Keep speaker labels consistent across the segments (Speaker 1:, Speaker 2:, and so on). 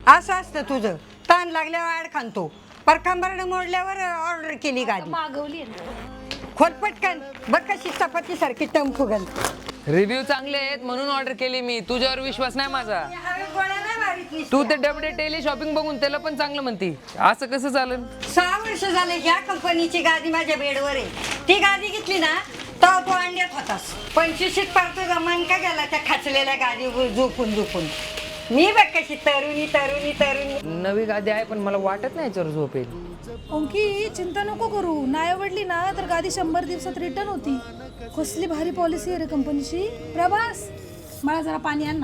Speaker 1: असं असतं तुझं. ताण लागल्यावर आड खांतो, पर कंबरडं मोडल्यावर ऑर्डर केली गाडी.
Speaker 2: मागवली
Speaker 1: खोल पटकन, बघ कशी चपाती सारखी टम फुगल.
Speaker 3: रिव्ह्यू चांगले आहेत म्हणून ऑर्डर केली मी. तुझ्यावर विश्वास नाही माझा. तू ते डबडे टेली शॉपिंग बघून त्याला पण चांगलं म्हणती, असं कसं चालेल?
Speaker 1: 6 वर्ष झाले ह्या कंपनीची गादी माझ्या बेडवर आहे. ती गादी घेतली ना तर तू अंड्यात होतास. 25शीत पार तुझा मन का गेला त्या खाचलेल्या गादीवर झोपून झोपून. मी बघ कशी तरुणी तरुणी तरुणी.
Speaker 3: नवी गादी आहे पण मला वाटत नाही याच्यावर झोपेल.
Speaker 2: ओंकी चिंता नको करू, नाही आवडली ना तर गादी 100 दिवसात रिटर्न होती. कसली भारी पॉलिसी आहे रे कंपनीची. प्रभास मला जरा पाणी आण ना.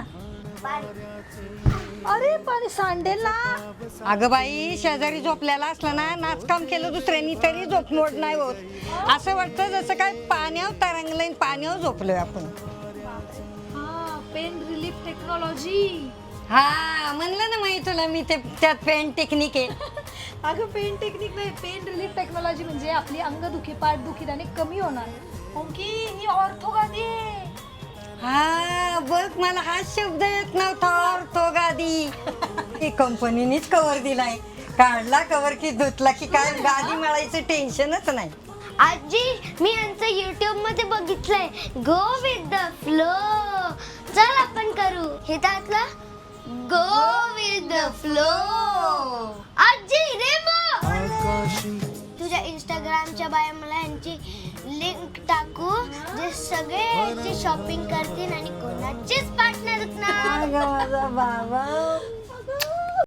Speaker 2: अरे पाणी सांडेल ना.
Speaker 1: अगं बाई, शेजारी झोपलेला असला ना, नाचकाम केलं दुसऱ्यांनी तरी झोप मोड नाही होत. असं वाटतं जसं काय पाण्यावर तरंगलंय, पाण्यावर झोपलोय आपण.
Speaker 2: हा, पेन रिलीफ टेक्नॉलॉजी.
Speaker 1: हा म्हणलं ना माहिती तुला मी, ते त्यात पेन टेक्निक आहे.
Speaker 2: अगं पेन टेक्निक नाही, पेन रिलीफ टेक्नॉलॉजी म्हणजे आपली अंगदुखी पाठदुखी त्याने कमी होणार. ओंकी ही ऑर्थो गादी आहे.
Speaker 1: हा बघ, मला हा शब्द येत नव्हता, ऑर्थो गादी. ही कंपनीनेच कव्हर दिलाय. काढला कव्हर की धुतला की काय गादी मिळायचं टेन्शनच नाही.
Speaker 4: आजी मी यांचं YouTube मध्ये बघितलंय, गो विथ द फ्लो. चल आपण करू हे त्यातलं गो विथ द फ्लो. आजी रेमो, तुझ्या इंस्टाग्रामच्या बायो मला यांची लिंक टाकू, जे सगळे यांची शॉपिंग करतील आणि कोणाचीच पार्टनर ना.
Speaker 1: माझा बाबा